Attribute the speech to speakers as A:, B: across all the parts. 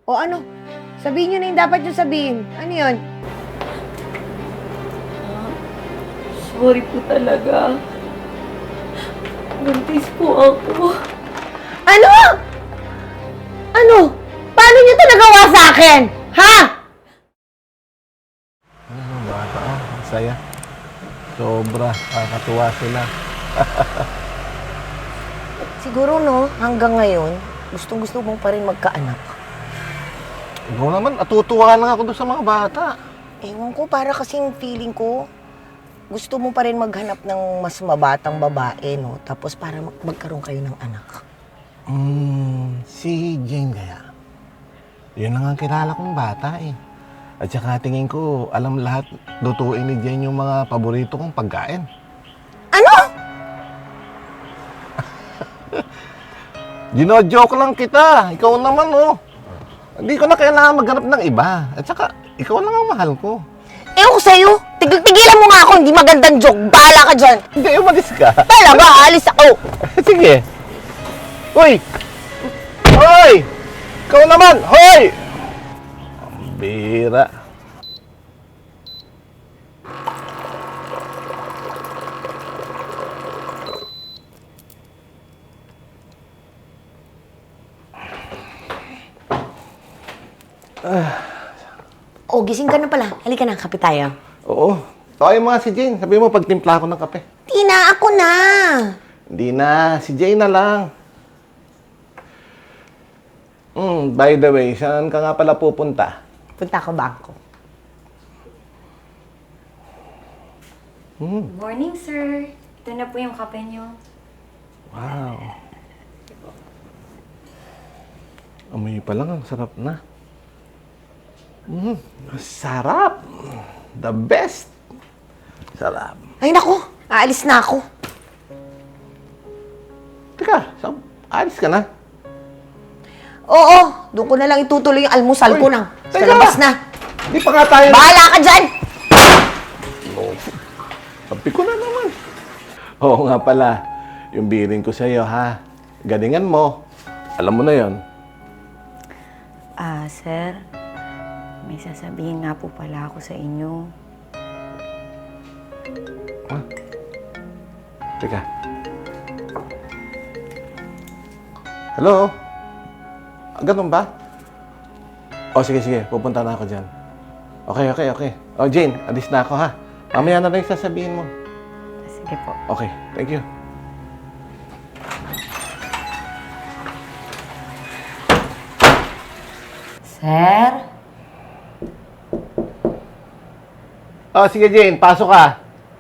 A: O ano? Sabihin nyo na yung dapat nyo sabihin. Ano yun?
B: Sorry po talaga. Buntis po ako.
A: Ano? Ano? Paano nyo ito nagawa sa akin? Ha?
C: Ano, bata oh, ang saya. Sobra, kakatuwa sila.
A: Siguro no, hanggang ngayon, gustong-gusto mong pa rin magkaanak.
C: Ikaw naman, natutuwa lang ako doon sa mga bata.
A: Ewan ko, para kasing feeling ko, gusto mo pa rin maghanap ng mas mabatang babae, no? Tapos para magkaroon kayo ng anak.
C: Si Jane kaya. Yun lang ang kilala kong bata eh. At saka tingin ko, alam lahat, lutuin ni Jane yung mga paborito kong pagkain.
A: Ano?
C: Gino-joke lang kita. Ikaw naman oh. Hindi ko na kailangan maghanap ng iba. At saka, ikaw lang ang mahal ko.
A: Ewan ko sa'yo. Tigilan mo nga ako, hindi magandang joke. Bahala ka dyan.
C: Hindi, umalis ka.
A: Talaga, alis ako.
C: Sige. Hoy! Hoy! Ikaw naman! Hoy! Ang bira.
A: O, gising ka na pala. Halika na, kape tayo.
C: Oo. Tawagin mo nga si Jane. Sabi mo pagtimpla ako ng kape.
A: Tina, ako na.
C: Hindi na. Si Jane na lang. By the way, saan ka nga pala pupunta?
A: Punta ako bangko.
B: Morning, sir. Ito na po yung kape niyo.
C: Wow. Amoy pa lang, ang sarap na. Sarap. The best. Sarap.
A: Ay, naku. Aalis na ako.
C: Teka, alis ka na?
A: Oo, doon ko na lang itutuloy yung almusal ko nang sa
C: teka.
A: labas na.
C: Di pa nga tayo...
A: Bahala ka dyan!
C: Sabi ko na naman. Oo nga pala, yung bilin ko sa'yo, ha? Galingan mo. Alam mo na yon.
B: Sir, may sasabihin nga po pala ako sa inyo.
C: Teka. Hello? Ganun ba? O, sige. Pupunta na ako dyan. Okay. O, Jane, alis na ako, ha? Mamaya na lang yung sasabihin mo.
B: Sige po.
C: Okay, thank you.
A: Sir?
C: O, sige, Jane, pasok ka.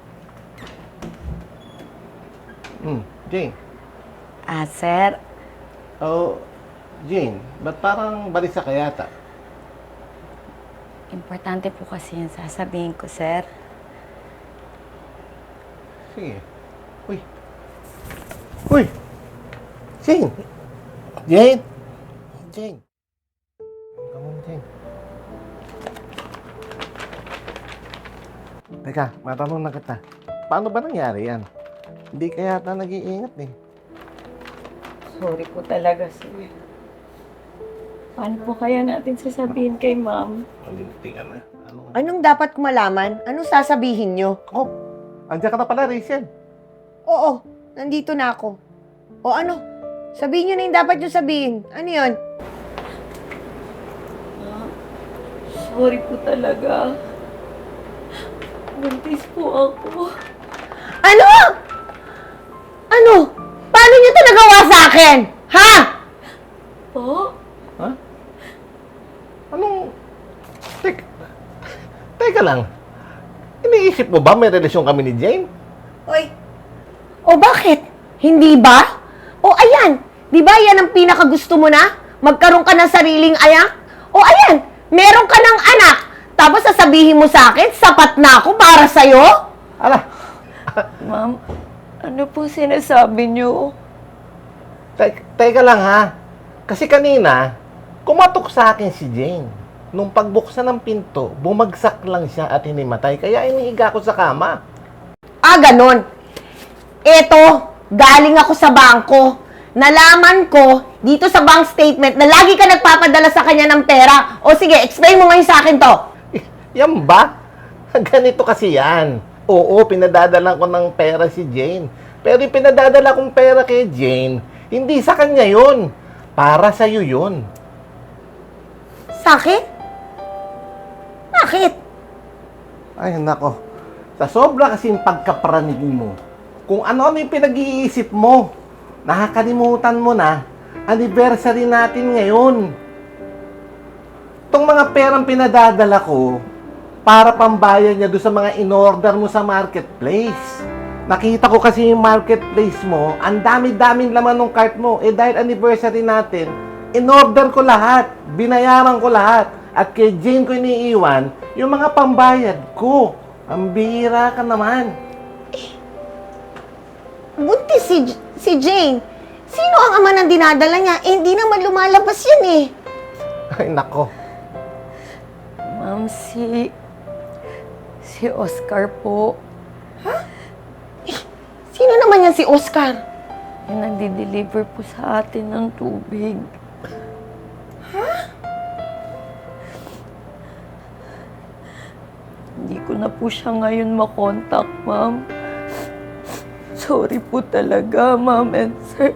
C: Jane.
B: Sir,
C: Oh, Jane, ba't parang balisa ka yata?
B: importante po kasi yung sasabihin ko, sir.
C: Sige. Uy! Jane! Jane! Come on, Jane. Teka, matanong na kita. Paano ba nangyari yan? Hindi ka yata nag-iingat eh.
B: Sorry po talaga, sir. Paano po kaya natin sasabihin kay ma'am?
C: Malinti ka na.
A: Anong dapat ko malaman? Anong sasabihin nyo?
C: Oh, andiyan ka na pala, Rachel.
A: Oo, nandito na ako. O ano? Sabihin nyo na yung dapat nyo sabihin. Ano yun?
B: Sorry po talaga. Buntis po ako.
A: Ano? Ano? Paano nyo ito nagawa sa akin? Ha?
B: Po?
C: Ha? Anong... Teka lang. Iniisip mo ba may relasyon kami ni Jane?
A: Oy. O bakit? Hindi ba? O ayan. Di ba yan ang pinakagusto mo na? Magkaroon ka ng sariling ayak? O ayan. Meron ka ng anak. Tapos sasabihin mo sa akin, sapat na ako para sa'yo?
C: Ala,
B: Ma'am, ano po sinasabi niyo?
C: teka lang ha. Kasi kanina, kumatok sa akin si Jane. Nung pagbuksan ng pinto, bumagsak lang siya at hinimatay. Kaya inihiga ko sa kama.
A: Ah, ganon. Eto, galing ako sa bangko. nalaman ko dito sa bank statement na lagi ka nagpapadala sa kanya ng pera. O sige, explain mo ngayon sa akin to.
C: Yan ba? Ganito kasi yan. Oo, pinadadala ko ng pera si Jane. Pero yung pinadadala kong pera kay Jane, hindi sa kanya yun. Para sa'yo yun.
A: Sa akin? Bakit?
C: Ay, nako. Sa sobra kasing pagkapranig mo, kung ano-ano yung pinag-iisip mo, nakakalimutan mo na, anniversary natin ngayon. Itong mga perang pinadadala ko, para pambayad niya doon sa mga in-order mo sa marketplace. Nakita ko kasi yung marketplace mo, ang dami-daming laman ng cart mo. Eh dahil anniversary natin, in-order ko lahat, binayaran ko lahat. At kay Jane ko iniiwan, yung mga pambayad ko. Ang bihira ka naman.
A: Buntis si Jane. Sino ang ama ng dinadala niya? Eh, hindi naman lumalabas yan eh.
C: Ay, nako.
B: Ma'am, si Oscar po.
A: Sino naman yan si Oscar?
B: Yung nagdi-deliver po sa atin ng tubig. Hindi ko na po siya ngayon makontak, ma'am. Sorry po talaga, ma'am and sir.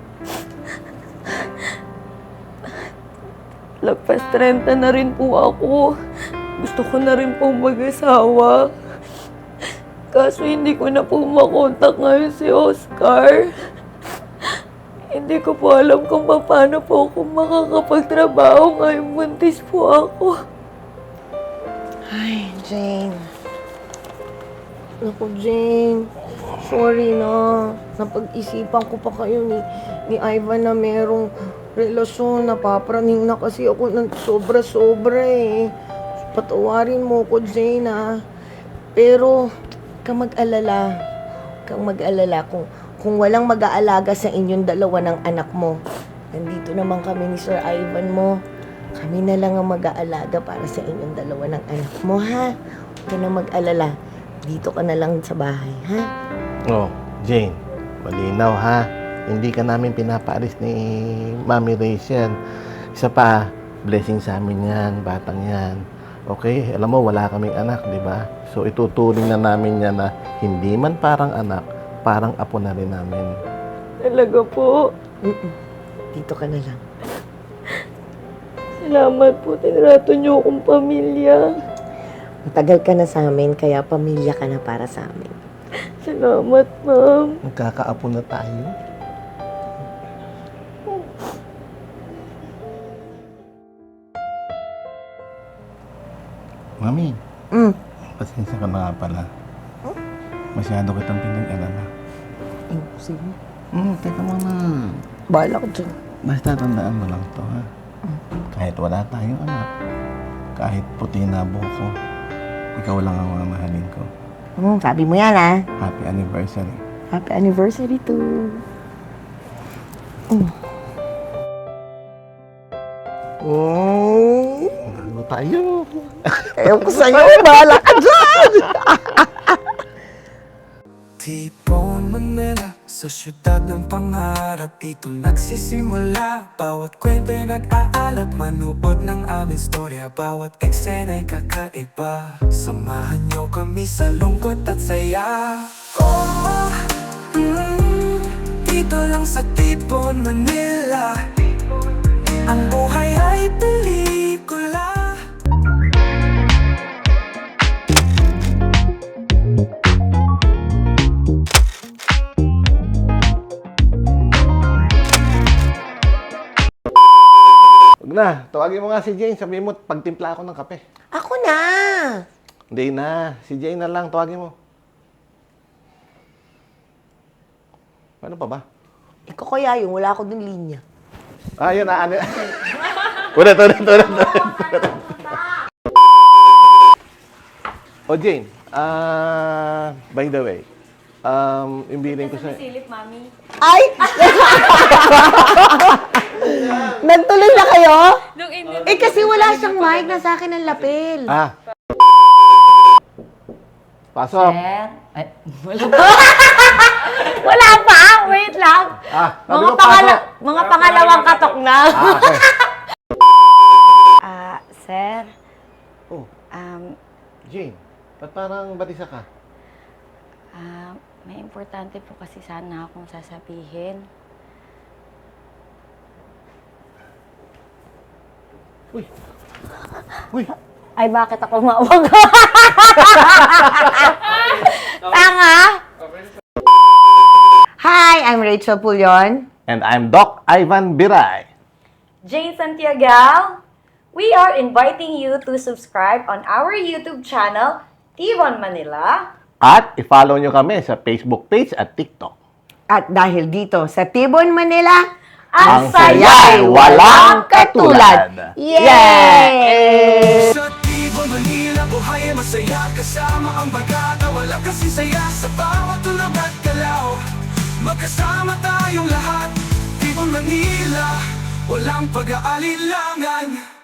B: Lagpas 30 na rin po ako. Gusto ko na rin po mag-asawa. Kaso hindi ko na po makontak ngayon si Oscar. Hindi ko po alam kung paano po ako makakapagtrabaho ngayon buntis po ako.
A: Ay, Jane. Naku, Jane. Sorry na. Napag-isipan ko pa kayo ni Ivan na merong relasyon. Napapraning na kasi ako ng sobra-sobra eh. Patawarin mo ko, Jane, ah. Pero, kang mag-alala. Kang mag-alala kung walang mag-aalaga sa inyong dalawa ng anak mo. Nandito naman kami ni Sir Ivan mo. Kami na lang ang mag-aalaga para sa inyong dalawa ng anak mo, ha? Huwag ka na mag-alala. Dito ka na lang sa bahay, ha?
C: Oh, Jane, malinaw ha. Hindi ka namin pinapaalis ni Mami Rachel. Isa pa, blessing sa amin yan, batang yan. Okay, alam mo, wala kaming anak, di ba? So, ituturing na namin yan na hindi man parang anak, parang apo na rin namin.
B: Talaga po.
A: Dito ka na lang.
B: Salamat po. Tinrato niyo akong pamilya.
A: Matagal ka na sa amin, kaya pamilya ka na para sa amin.
B: Salamat, ma'am.
C: Magkakaapo na tayo. Mami, pasensya ka na nga pala. Masyado kitang pinag-alala.
A: Sige.
C: Teka muna.
A: Bahala ko dyan.
C: Basta tandaan mo lang to, ha? Kahit wala tayong anak, kahit puti na buhok ko, ikaw lang ang mamahalin ko.
A: Sabi mo yan, ha?
C: Happy anniversary.
A: Happy anniversary to...
C: Ano tayo?
A: Ayaw ko sa'yo, bahala ka dyan!
D: Tipon Manila, sa syudad ng pangarap, ito nagsisimula. Bawat kwento'y nag-aalat, manuod ng aming storya. Bawat eksena'y kakaiba, samahan niyo kami sa lungkot at saya. Oh, dito lang sa Tipon Manila, ang buhay ay pelikula.
C: Huwag na, tawagin mo nga si Jane. Sabihin mo, pagtimpla ako ng kape.
A: Ako na!
C: Hindi na, si Jane na lang, tawagin mo. Ano pa ba?
A: Ikaw kaya yun, wala ako dun linya.
C: Ah, yun na, ano. Ulit. O Jane, by the way, yung billing ko sa...
A: Ay! Nagtuloy na kayo? Eh kasi wala siyang mic, nasa akin ang lapel.
C: Pasok.
B: Sir? Ay, wala pa. Wala pa! Wait lang.
C: Sabi ko, pasok.
B: Mga pangalawang katok na.
C: Okay.
B: Sir,
C: Oh, Jane, ba't parang balisa ka?
B: may importante po kasi sana akong sasabihin.
C: Uy! Uy!
B: Ay, bakit ako mawag? Tanga!
A: Hi, I'm Rachel Pulion.
C: And I'm Doc Ivan Biray.
B: Jane Santiago, we are inviting you to subscribe on our YouTube channel, T1 Manila.
C: At i-follow nyo kami sa Facebook page at TikTok.
A: At dahil dito sa Tibon, Manila,
C: Ang saya'y walang katulad.
A: Yay!
D: Sa Tibon, Manila, buhay ay masaya kasama ang bagata. Wala kasi saya sa bawat tulog at galaw. Magkasama tayong lahat, Tibon, Manila, walang pag-aalilangan.